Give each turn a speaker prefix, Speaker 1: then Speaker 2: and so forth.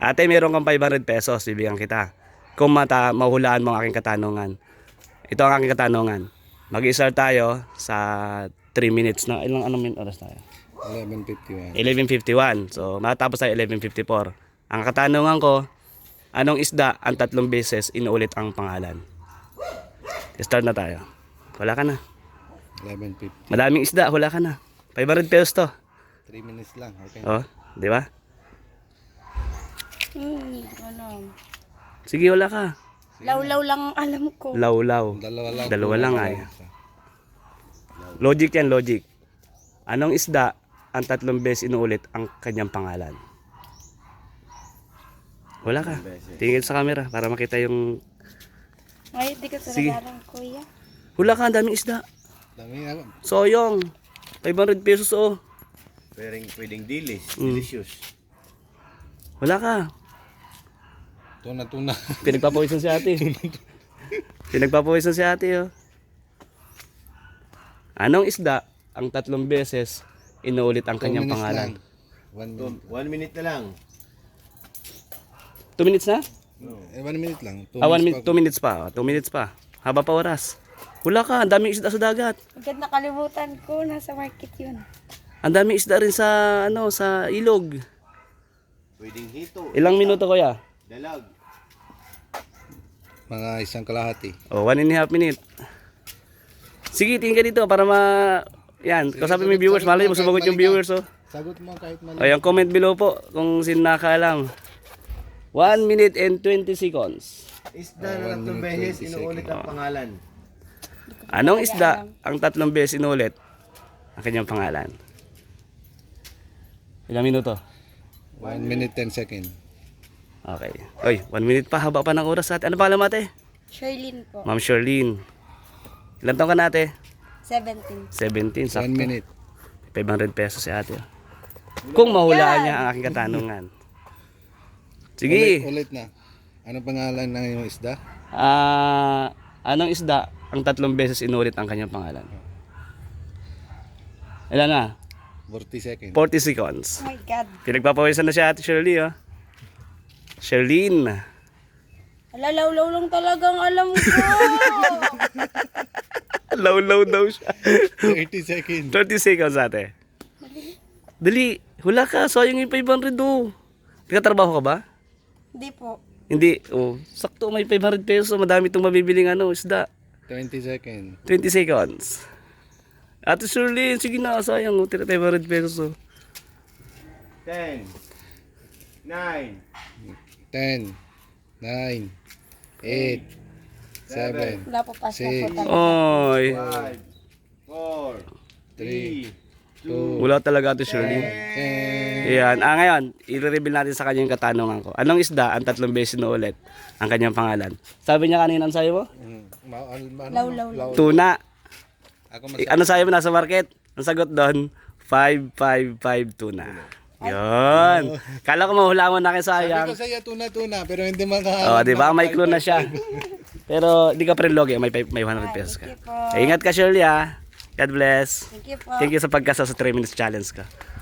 Speaker 1: Ate, meron kang 500 pesos, bibigyan kita. Kung mahulaan mo ang aking katanungan. Ito ang aking katanungan. Mag-i-start tayo sa 3 minutes na. Anong oras tayo?
Speaker 2: 11:51.
Speaker 1: 11:51. So, matapos tayo 11:54. Ang katanungan ko, anong isda ang 3 beses inuulit ang pangalan? Start na tayo. Wala ka na.
Speaker 2: 11:50.
Speaker 1: Madaming isda, wala ka na. 500 pesos to.
Speaker 2: 3 minutes lang. Okay.
Speaker 1: Oh, di ba?
Speaker 3: Ano?
Speaker 1: Sige, wala ka.
Speaker 3: Law-law lang ang alam ko.
Speaker 1: Law-law.
Speaker 2: Dalawa lang
Speaker 1: ay. Logic yan, logic. Anong isda ang 3 beses inuulit ang kanyang pangalan? Wala ka. Tingin sa camera para makita yung...
Speaker 3: Ay, di ka
Speaker 1: Sige.
Speaker 3: talaga kuya.
Speaker 1: Wala ka, ang daming isda.
Speaker 2: Dami nga.
Speaker 1: Soyong. 500 pesos oh.
Speaker 4: Pwedeng delicious.
Speaker 1: Wala ka.
Speaker 2: Tuna.
Speaker 1: Pinagpapawisan si ate. Pinagpapawisan si ate oh. Anong isda ang 3 beses inuulit ang
Speaker 2: 2
Speaker 1: kanyang
Speaker 2: minutes
Speaker 1: pangalan?
Speaker 2: lang.
Speaker 4: 1 minute na lang.
Speaker 1: 2 minutes na?
Speaker 2: 1 minute lang. 2
Speaker 1: 1
Speaker 2: minutes
Speaker 1: minute, 2 minutes pa. 2 minutes pa. Haba pa oras. Wala ka, ang daming isda sa dagat.
Speaker 3: Agad nakalimutan ko, nasa market yun.
Speaker 1: Ang daming isda rin sa sa ilog.
Speaker 4: Pwedeng hito.
Speaker 1: Ilang minuto kuya?
Speaker 4: Dalag.
Speaker 2: Mga isang kalahati.
Speaker 1: Oh, 1.5 minute. Sige, tingin ka dito para yan, kausapin mo yung viewers. Malay mo sumagot yung viewers oh.
Speaker 2: Sagot mo kahit mali.
Speaker 1: Ayan, comment below po kung sino nakakaalam. 1 minute and 20 seconds.
Speaker 4: Isda na 3 beses inuulit ang pangalan.
Speaker 1: Anong isda ang 3 beses inulit ang kanyang pangalan? Ilang minuto?
Speaker 2: 1 minute 10 seconds.
Speaker 1: Okay. Oy, 1 minute pa. Haba pa ng oras ate. Ano pa alam ate?
Speaker 3: Sherlyn po.
Speaker 1: Ma'am Charlene. Ilan taon ka na ate?
Speaker 3: 17.
Speaker 1: 17.
Speaker 2: 1
Speaker 1: Sakto.
Speaker 2: minute.
Speaker 1: 500 pesos si ate. Kung mahulaan niya ang aking katanungan. Sige.
Speaker 2: Ulit na. Ano pangalan ng iyong isda?
Speaker 1: Anong isda ang 3 beses inulit ang kanyang pangalan? Ilan na?
Speaker 2: 40 seconds.
Speaker 1: 40 seconds.
Speaker 3: Oh my God.
Speaker 1: Pinagpapawisan na si ate Shirley oh. Charlene.
Speaker 3: Ala, law-law lang talagang alam ko.
Speaker 1: Low daw siya.
Speaker 2: 30 seconds.
Speaker 1: 30 seconds ate. Dali. Hula ka. Sayang yung 500 do. Nagkatrabaho ka ba?
Speaker 3: Hindi po.
Speaker 1: Hindi. Oh, sakto may 500 pesos. Madami itong mabibiling isda.
Speaker 2: 20 seconds.
Speaker 1: 20 seconds. Ate Shirley, sige na. Sayang. 500 pesos oh.
Speaker 4: 10, 9,
Speaker 2: 10, 9, 8, 7,
Speaker 3: Wala po pa siya po
Speaker 2: Six.
Speaker 3: talaga.
Speaker 1: Oy.
Speaker 4: 5, 4, 3,
Speaker 2: 2,
Speaker 1: Wala talaga ate Shirley.
Speaker 2: 10.
Speaker 1: Ayan. Ngayon, i-reveal natin sa kanya yung katanungan ko. Anong isda ang 3 beses na ulit ang kanyang pangalan? Sabi niya kanina, ang sayo mo?
Speaker 3: Law-law.
Speaker 1: Tuna.
Speaker 2: Ako
Speaker 1: Ano sayo mo nasa market? Ang sagot doon, 555 tuna. Yun. Kala ko mahula mo na kayo
Speaker 2: Sabi
Speaker 1: sayang.
Speaker 2: ko sa'yo tuna, pero hindi maka...
Speaker 1: Oh, di ba? May clue na siya. Pero di ka pa rin logi, may 100 pesos ka.
Speaker 3: Thank you po.
Speaker 1: Ingat ka Shirley ha. God bless.
Speaker 3: Thank you po.
Speaker 1: Thank you sa pagkasa sa 3 minutes challenge ka.